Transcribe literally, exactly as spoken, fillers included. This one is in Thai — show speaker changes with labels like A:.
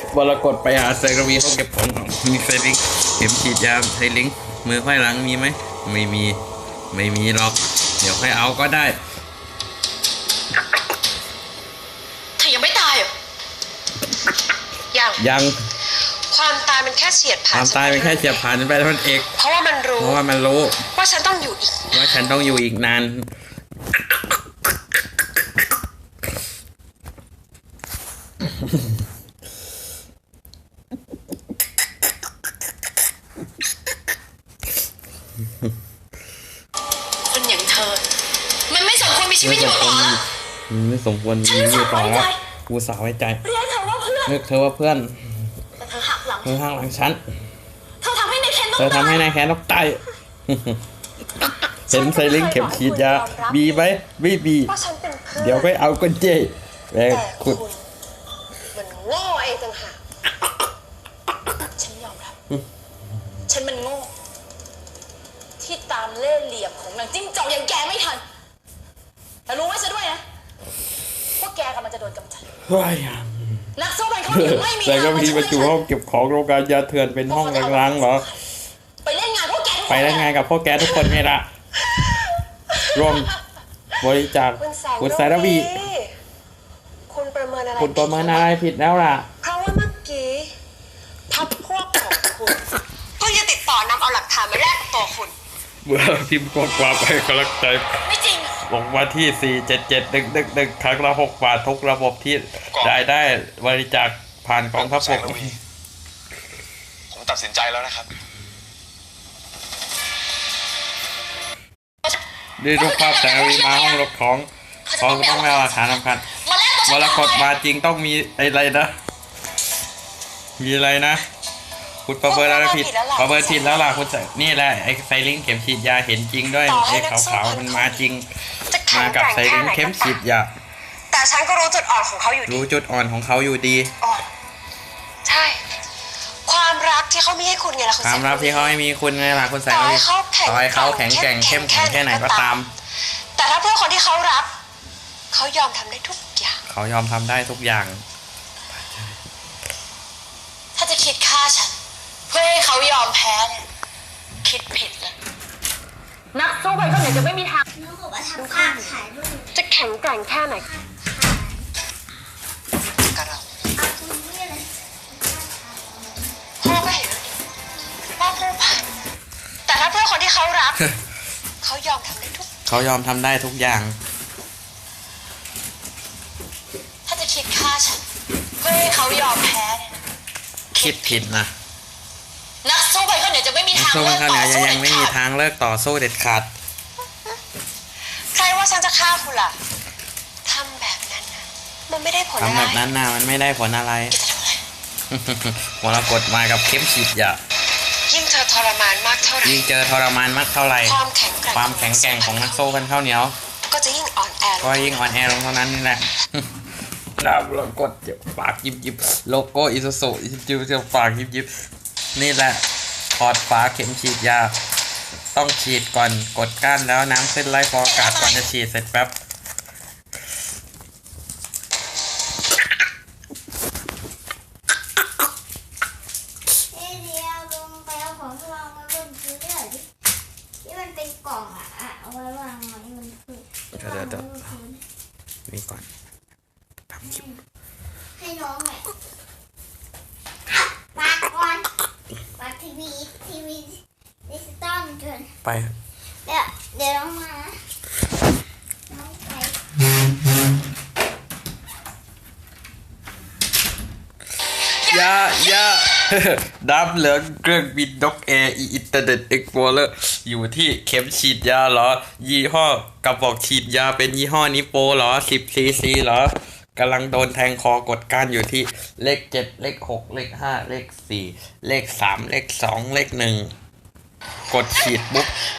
A: วรกฏไปหาไซกวีเขาเก็บของมีไซลิงเข็มฉีดยาไซลิงมือไขว้หลังมีไหมไม่มีไม่มีหรอกเดี๋ยวค่อยเอาก็ได้
B: เธอยังไม่ตายเหรอยัง
A: ยัง
B: ความตายมันแค่เฉียดผ่าน
A: ความตายเป็นแค่เฉียดผ่านไปแล้วมันเอก
B: เพราะว่ามันรู้
A: เพราะว่ามันรู้
B: ว่าฉันต้องอยู่อีก
A: ว่าฉันต้องอยู่อีกนาน
B: คนอย่างเธอมันไม่สมควรมีชีวิตอยู่ต่อแล้ว
A: ไม่สมควรมีชีวิตอยู่ต่อแล้วกูสาวไว้ใจ
B: เรียกเธอว่าเพื่อน
A: เรียกเธอว่าเพื่อน
B: แต่เธอหักหลัง
A: เธอหักหลังฉัน
B: เธอทำให้นายแคนต้อง
A: เธอทำให้นายแคนต้องตายเห็นไซลิงเข็มฉีดยาบีไหมบีบีเดี๋ยวไปเอากุญแจแม่ขุด
B: มันโง่เองต่างหากฉันยอมรับฉันมันโง่ที่ตามเล่ห์เหลี่ยมของนางจิ้งจอกอย่างแกไม่ทันแต่รู้ไว้ซะด้วยนะว่าแกกำลังจะโดนกำจัด
A: ว้าย
B: นักสู้มันเขาถึงไม่มี
A: แต่ก็มีประตูห้องเก็บของโรงงานยาเถื่อนเป็นห้องร้างๆเหรอ
B: ไปเล่นงานพวกแก
A: ไปเล่นงานกับพวกแกทุกคนไงล่ะร่วมบริจาคคุณสารวี
B: คุณประเมินอะไร
A: คุณประเมินอะไรผิดแล้วล่ะ
B: เพราะว่าเมื่อกี้พักพวกของคุณก็จะติดต่อนำเอาหลักฐานมาแลกกับตัวคุณ
A: เมื่อพิมพ์ข้อความไปกำลังใจ
B: ไม่จริง
A: ลงมาที่สี่เจ็ดเจ็ดหนึ่งหนึ่งหนึ่งครั้งละหกบาททุกระบบที่ได้ได้บริจาคผ่านกองทัพบก
C: ผมตัดสินใจแล้วนะครับ
A: ดูรูปภาพแสงวีมาห้องรบของเขาต้องไม่เอาหลักฐานสำคัญวรกฏมาจริงต้องมีอะไรนะมีอะไรนะคุณประเมินอะไรผิดประเมินผิดแล้วล่ะคุณนี่แหละไอ้ไซลิงเข็มฉีดยาเห็นจริงด้วยไอ้ขาวๆมันมาจริงมากับไซลิงเข็มฉีดยา
B: แต่ฉันก็รู้จุดอ่อนของเขาอยู่ดี
A: รู้จุดอ่อนของเขาอยู่ดี
B: ใช่ความรักที่เขามีให้คุณไงล่ะคุณ
A: ความรักที่เขาไม่มีคุณไงล่ะคุณแสงต่อให้เขาแข็งแกร่งเข้มแข็งแค่ไหนก็ตาม
B: แต่ถ้าเพื่อคนที่เขารักเขายอมทำได้ทุกอย่าง
A: เขายอมทำได้ทุกอย่าง
B: ถ้าจะคิดฆ่าฉันเพื่อให้เขายอมแพ้เนี่ยคิดผิดเลยนักสู้ไปก็เนี่ยจะไม่มีทางจะแข็งแกร่งแค่ไหนกับเราพ่อก็เห็นว่าผู้พันแต่ถ้าเพื่อคนที่เขารักเขายอมทำได้ทุก
A: เขายอมทำได้ทุกอย่าง
B: ถ้าจะคิดฆ่าฉันเพื่อให้เขายอมแพ้เนี่ย
A: คิดผิดนะ
B: นักสู้ไปก็เนี่ยจะไม่มีทาง
A: เลิกต่อสู้ยังไม่มีทางเลิกต่อสู้เด็ดขาด
B: ใครว่าฉันจะฆ่าคุณล่ะทำแบบนั้นนะมันไม่ได้ผลอะไร
A: ทำแบบนั้นนะมันไม่ได้ผลอะไรมรกฏมากับเข้มฉีดยา
B: ยิ่งเจอทรมานมากเท่าไหร่
A: ยิ่งเจอทรมานมากเท่าไหร่
B: ความแข็งแกร่ง
A: ความแข็งแกร่งของนักสู้กันข้าวเหนียว
B: ก็จะยิ่งอ่อนแอ
A: ก็ยิ่งอ่อนแอลงเท่านั้นนี่แหละดาวมรกฏเจ็บปากยิบยิบโลโก้อิซูซุจิบเจ็บปากยิบยิบนี่แหละถอดฝาเข็มฉีดยาต้องฉีดก่อนกดก้านแล้วน้ำขึ้นไล่ฟองอากาศก่อนจะฉีดเสร็จแป๊บ
D: กล่องอ่ะเอาไว้วางไว้มันคือ
A: เดี๋ยวเดี๋ยวนี่ก่อนทำคลิป
D: ให้น้องแม่ปากก่อนปากทีวีทีวีดิจิตอลเกิน
A: ไป
D: เดี๋ยวเดี๋ยวน้องมาน้องไป
A: ยายาดับเหลืองเครื่องบินนกแอร์อินเทอร์เน็ตเอ็กซ์พลอเรอร์อยู่ที่เข็มฉีดยาเหรอยี่ห้อกระบอกฉีดยาเป็นยี่ห้อนิโปเหรอสิบซีซีเหรอกำลังโดนแทงคอกดก้านอยู่ที่เลขเจ็ดเลขหกเลขห้าเลขสี่เลขสามเลขสองเลขหนึ่งกดฉีดปุ๊บ